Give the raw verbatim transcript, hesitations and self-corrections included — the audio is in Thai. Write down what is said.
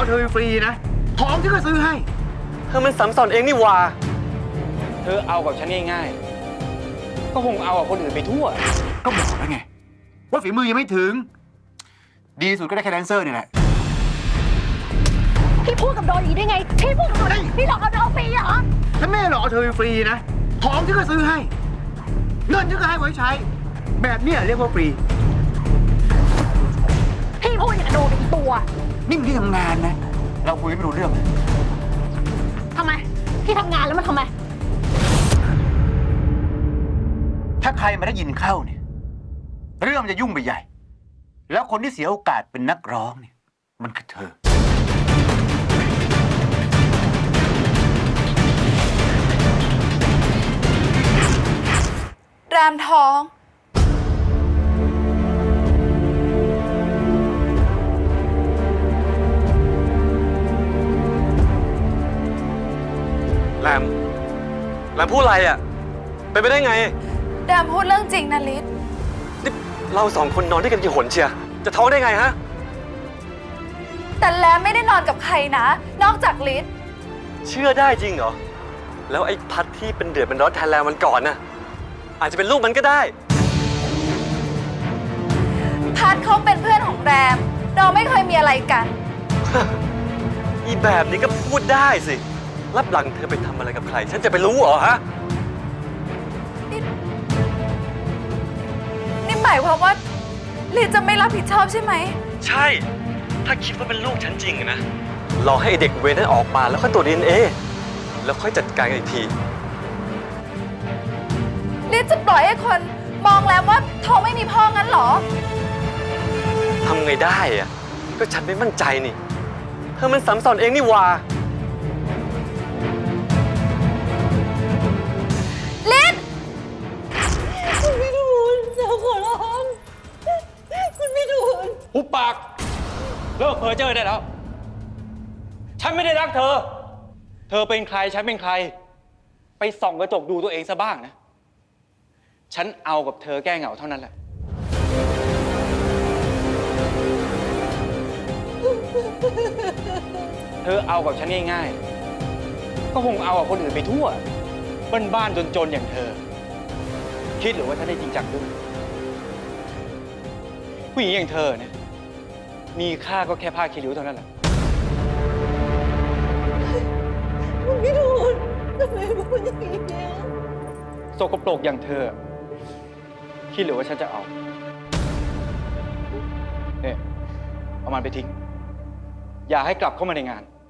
เธอฟรีนะของที่ก็ซื้อให้เธอมันสัมสอนเองนี่หว่าเธอเอากับฉันง่ายๆก็คงเอากับคนอื่นไปทั่วก็บอกแล้วไงว่าฝีมือยังไม่ถึงดีสุดก็ได้แค่แดนเซอร์นี่แหละพี่พูดกับโดนอีได้ไงพี่พูดกับโดนพี่หลอกเอาโดนฟรีเหรอฉันไม่หลอกเธอฟรีนะของที่ก็ซื้อให้เงินที่ก็ให้ไว้ใช้แบบเนี้ยเรียกว่าฟรีพี่พูดอย่างกับโดนเป็นตัวนี่มันที่ทำงานนะเราคุยไม่รู้เรื่องทำไมพี่ทำงานแล้วมันทำไมถ้าใครมาได้ยินเข้าเนี่ยเรื่องมันจะยุ่งไปใหญ่แล้วคนที่เสียโอกาสเป็นนักร้องเนี่ยมันคือเธอรามท้องแรมแรมพูดอะไรอ่ะเป็นไปได้ไงรามพูดเรื่องจริงนะลิศนี่เราสองคนนอนด้วยกันกี่หนเชียจะท้องได้ไงฮะแต่แรมไม่ได้นอนกับใครนะนอกจากลิศเชื่อได้จริงเหรอแล้วไอ้พัดที่เป็นเดือดเป็นร้อนแทนแรมมันก่อนน่ะอาจจะเป็นลูกมันก็ได้พัดเขาเป็นเพื่อนของแรมเราไม่เคยมีอะไรกันอีแบบนี้ก็พูดได้สิรับหลังเธอไปทำอะไรกับใครฉันจะไปรู้เหรอฮะนี่นี่หมายความว่าลิศจะไม่รับผิดชอบใช่ไหมใช่ถ้าคิดว่าเป็นลูกฉันจริงนะรอให้เด็กเวรนั้นออกมาแล้วค่อยตรวจ ดี เอ็น เอ แล้วค่อยจัดการกันอีกทีลิศจะปล่อยให้คนมองแล้วว่าท้องไม่มีพ่องั้นเหรอทำไงได้อะก็ฉันไม่มั่นใจนี่เธอมันสัมสอนเองนี่หว่าลิศคุณพี่ทูลจะขอร้องคุณพี่ทูลหุบปากเลิกเพ้อเจ้อได้แล้วฉันไม่ได้รักเธอเธอเป็นใครฉันเป็นใครไปส่องกระจกดูตัวเองซะบ้างนะฉันเอากับเธอแก้เหงาเท่านั้นแหละเธอเอากับฉันง่ายๆก็คงเอากับคนอื่นไปทั่วบ้านๆจนๆอย่างเธอคิดหรือว่าฉันได้จริงจังด้วยผู้หญิงอย่างเธอเนี่ยมีค่าก็แค่ผ้าคีริ้วเท่านั้นแหละคุณพี่ทูลทำไมพูดอย่างนี้เนี่ยสกปรกอย่างเธอคิดหรือว่าฉันจะเอาเนี่ยเอามันไปทิ้งอย่าให้กลับเข้ามาในงาน